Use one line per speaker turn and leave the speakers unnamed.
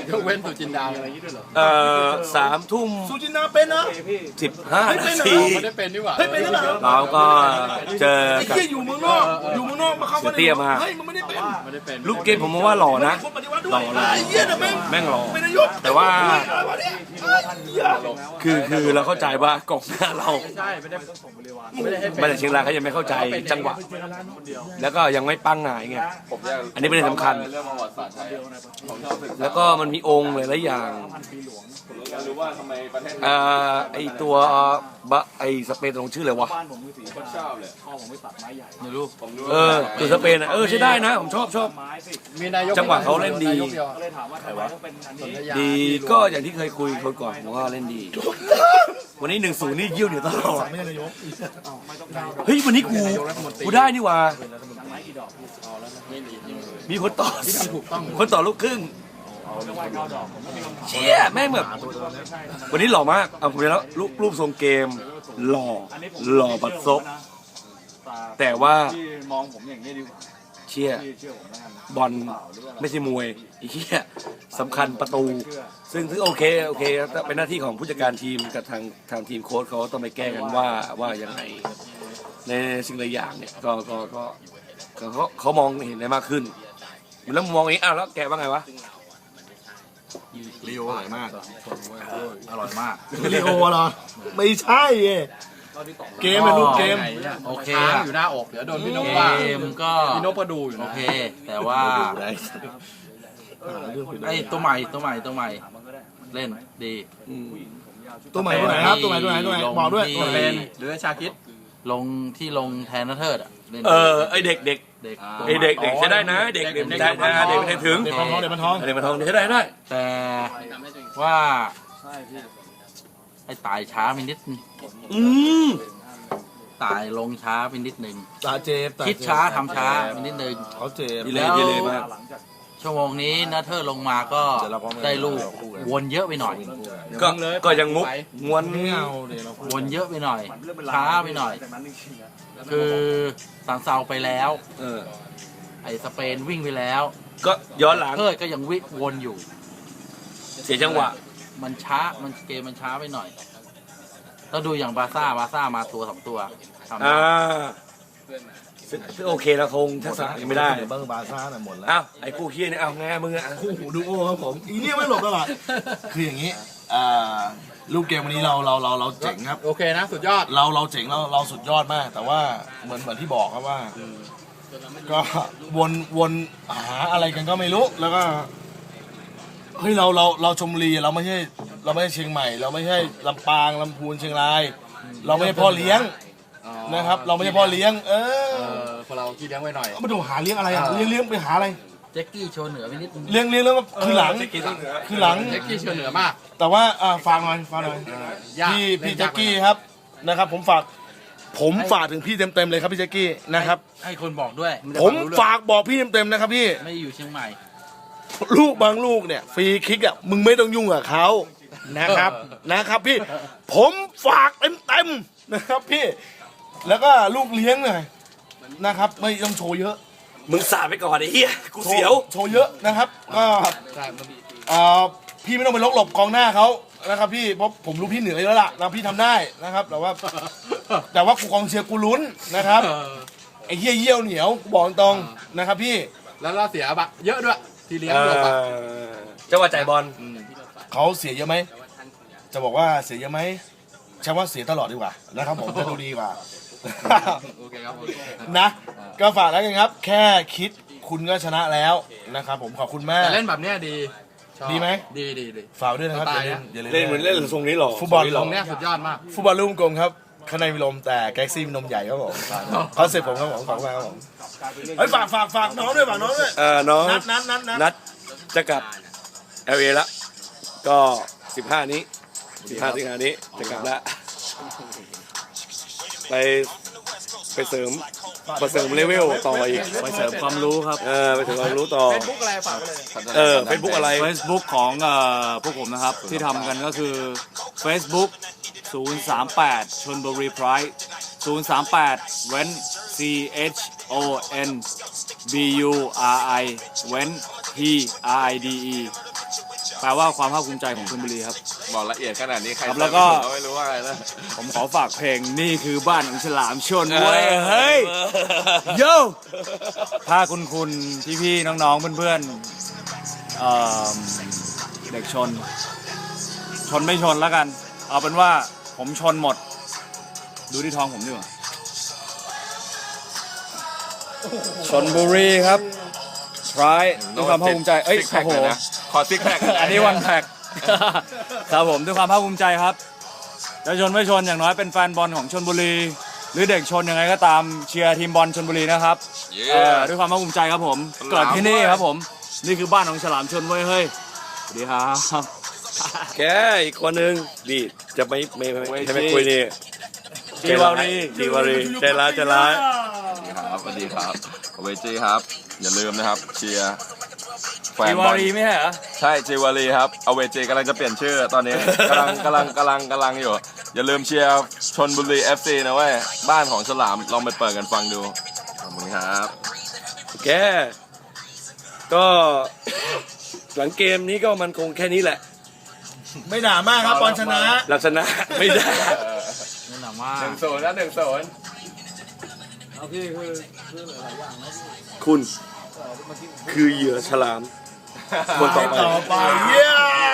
ยกเว้นสุจินดาอะไรอย่างนี้ด้วยเหรอ
3 ทุ่ม
สุจินดาเป็นนะ
15 นาที
ไม่ได้เป็นดีกว่า
เฮ้ยเป็นแล้วเหรอ
เราก็เจอ
ไอ้
กับ
เหี้ยอยู่เมืองนอกอยู่เมืองนอกมาเข้ามา
เตี้ยมา
เฮ้ยมันไม่ได้เป็น
ไม่ได้เป็น
ลูกเกมผมว่าหล่อนะ
คนปฏิวัติด้วย
หล่อเลย
ไอ้เหี้ยนะแม่ง
หล่อ
เป็นนายก
แต่ว่า
อะไรวะเนี่ยไอ้เหี้ย
คือเราเข้าใจว่ากองหน้าเรา
ใช่ไม่ได้ให้
มาจากเชียงรายเขายังไม่เข้าใจจังหวะ แล้วก็ยังไม่ปั้งหงายไงอันนี้เป็นเรื่องสำคัญ
เรื่องประวัติศาสตร์ไทยผมชอบศึกษา
แล้วก็มันมีองค์หลายๆอย่าง
ผมอยากรู้ว่าทำไมประเทศ
ไอตัวไอสเปนตรงชื่ออะไรวะ
คนชอบเลย
ไม่รู้ตัวสเปนใช้ได้นะผมชอบ
มีนายก
จังหวะเขาเล่นดี
นายกเดียว
ดีก็อย่างที่เคยคุยคนก่อนผมว่าเล่นดี วันนี้1-0นี่เยี่ยวเหนียวตลอด
ไม่ใช่นายก
เฮ้ยวันนี้กูได้นี่หว่ามีคนต่อคนต่อลูกครึ่งเชี่ยแม่งแบบวันนี้หล่อมากเอาผมไปแล้วรูปทรงเกมหล่อบัดซบแต่ว่า
มองผมอย่างนี้ดีกว่า
เชี่ยบอลไม่ใช่มวยไอ้เหี้ยสำคัญประตูซึ่งโอเคเป็นหน้าที่ของผู้จัดการทีมกับทางทีมโค้ชเขาต้องไปแก้กันว่ายังไงในสิ่งหลายอย่างเนี่ยก็เขามองเห็นได้มากขึ้นแล้วมองอย่างนี้แล้วแกว่าไงวะ
ลีโออร่อยมากอร่อยมากลีโอเหรอไม่ใช่เกมเป็นลูกเกม
โอเค
ค้าง
อะ
อยู่หน้าอกเดี๋ยวโดนพี่นกว่า
เกมก็
พี่นกก็ดูอยู่
โอ
นะ
เค แต่ว่าไอ้ตัวใหม่เล่นดี
ตัวใหม่ตัวไหนครับตัวใหม่บอกด้วย
ที่
เป็นหรือชาคิด
ลงแทนนัทเทิดอ่ะเล่น
ไอเด็ก
เด็ก
ไอเด็กใช้ได้นะเด็กใช้ได้เด็กไม่ใช่ถึง
เด็กมันท้อง
เด็กมันทองใช้ได้
แต่ว่าไอ้ตายช้าไปนิดนึง
ม
ตายลงช้าไปนิดนึง
ตาเจฟ
คิดช้าทำช้าไปนิดนึง
เขาเจฟ
ดีเลยมาก
ชั่วโมงนี้นัทเทิดลงมาก็ได้ลูกวนเยอะไปหน่อย
ก็ยังมุกม้วน
ไม่เอาเดี๋ยวเรา
วนเยอะไปหน่อย ช้าไปหน่อย คือสังเซาไปแล้ว ไอ้สเปนวิ่งไปแล้ว
ก็ย้อนหลัง
เทิดก็ยังวิ่งวนอยู่
เสียจังหวะ
มันช้าเกมมันช้าไปหน่อยเราดูอย่างบาซ่ามาตัว2 ตัวทำได้
ซึ่งโอเคแล้วคงทักษะยังไม่ได้
เบอร์บาซ่าน่ะหมดแล้ว
อ้าวไอ้คู่เคียนี่เอาไงมึงอ่ะ
คู่หูดูโอครับผมอีเนี่ยไม่หลบตลอดคืออย่างนี้ลูกเกมวันนี้เราเจ๋งครับ
โอเคนะสุดยอด
เราเจ๋งเราสุดยอดมาก แต่ว่าเหมือนที่บอกครับว่า ก็วนหาอะไรกันก็ไม่รู้แล้วก็เฮ้ยเราชมบุรีเราไม่ใช่เชียงใหม่ เราไม่ใช่ลำปางลำพูนเชียงราย เราไม่ใช่พ่อเลี้ยงนะครับ เราไม่ใช่พ่อเลี้ยง
คนเราขี้เลี้ยงไว้หน่อย
มาดูหาเลี้ยงอะไรอ่ะเลี้ยงไปหาอะไร
แจ็คกี้โชว์เหนือไปนิดนึง
เลี้ยงแล้วก็คือหลัง
เล็กขี้เชื่อเหนือมาก
แต่ว่าฝากหน่อยพี่แจ็คกี้ครับนะครับ ผมฝากถึงพี่เต็มเลยครับพี่แจ็คกี้นะครับ
ให้คนบอกด้วย
ผมฝากบอกพี่เต็มนะครับพี่
ไม่ได้อยู่เชียงใหม่
ลูกบางลูกเนี่ยฟรีคิกอ่ะมึงไม่ต้องยุ่งกับเขานะครับพี่ผมฝากเต็มนะครับพี่แล้วก็ลูกเลี้ยงหน่อยนะครับไม่ต้องโชว์เยอะ
มึงสาดไปก่อนไอ้เหี้ยกูเสียว
โชว์เยอะนะครับก็พี่ไม่ต้องไปหลบกองหน้าเขานะครับพี่เพราะผมรู้พี่เหนื่อยแล้วล่ะนะพี่ทำได้นะครับแต่ว่ากูกองเชียร์กูลุ้นนะครับไอ้เหี้ยเยี่ยวเหนียวกูบอกตรงนะครับพี่
แล้วเราเสียบะเยอะด้วยที่เลี้ยงหลบอ่ะ
จังหวะจ่ายบอล
เขาเสียเยอะไหมจะบอกว่าเสียเยอะไหมใช่ว่าเสียตลอดดีกว่านะครับผมจะดูดีกว่า
โอเคครับ
นะก็ฝากแล้วกันครับ แค่คิดคุณก็ชนะแล้วนะครับผมขอบคุณมาก
แต่เล่นแบบเนี้ยดีชอบ
ดีไหม
ดี
ฝากด้วยนะครับ
สไต
อย่า
ล์
ลืม
นะ
เล่นเหมือนเล่นทรงนี้หรอ
ฟุตบอล
ตรงเนี้ยสุดยอดมาก
ฟุตบอลลูกกลมครับข้างในมีลมแต่แก๊กซี่มีนมใหญ่ครับผมคอนเซ็ปต์ผมครับผมขอบคุณมากครับผมเฮ้ยฝากน้องด้วยน้อง
นัดจะกลับ LA ละก็15นี้สิงหานี้จะกลับละไปเสริมเลเวลต่ออีก
ไปเสริมความรู้ครับ
ไปเสริมความรู้ต่อ
เฟซบุ๊กอะไรฝากไว้เลย
เฟซบุ๊กอะไร
Facebook ของพวกผมนะครับ ที่ทำกันก็คือ Facebook 038 ชลบุรีไพร์038 เว้น CHONBURI เว้น PRIDE แปลว่าความภาคภูมิใจของชลบุรีครับ
บอกละเอียดขนาดนี้ใคร
ครับแล้วก็
ไม่รู้ว่าอะไรนะ
ผมขอฝากเพลงนี่คือบ้านของฉลามชนเว้ยเฮ้ยโย่ถ้าคุณพี่ๆน้องๆเพื่อนๆเด็กชนไม่ชนแล้วกัน เอาเป็นว่าผมชนหมด ดูที่ท้องผมดีกว่าชลบุรีครับทรายด้วยความภาคภูมิใจเอ้ย
ซิก
โอ้
แพค
โห
นะขอซิกแพค
อันนี้วันแพ็ก ครับผมด้วยความภาคภูมิใจครับจะชนไม่ชนอย่างน้อยเป็นแฟนบอลของชลบุรี หรือเด็กชนยังไงก็ตามเชียร์ทีมบอลชลบุรีนะครับด้วยความภาคภูมิใจครับผมเกิดที่นี่ครับผมนี่คือบ้านของฉลามชนเว้ยเฮ้ยสวัสดีครับ
แกอีกคนนึงดีจะไม่คุยนี่
จีวารี
ใจร้ายใจร้าย
ครับสวัสดีครับเวจีครับ อย่าลืมนะครับเชียร์แฟ
จี
นบ
วา
อล
รีไม่ใช่เหรอ
ใช่จีวารีครับเอาเวจีกำลังจะเปลี่ยนชื่อตอนนี้กำลังอยู่ อย่าลืมเชียร์ชลบุรี FC นะเว้ยบ้านของฉลามลองไปเปิดกันฟังดูขอบคุณครับ
แกก็หลังเกมนี้ก็มันคงแค่นี้แหละ
ไม่หนามากครับบอลชนะ
ลักษณะไม่ได้
นี่หนามา
1-0นะ1-0
คุณคือเหยื่อฉลาม คนต่อไป
ต่อไปเย้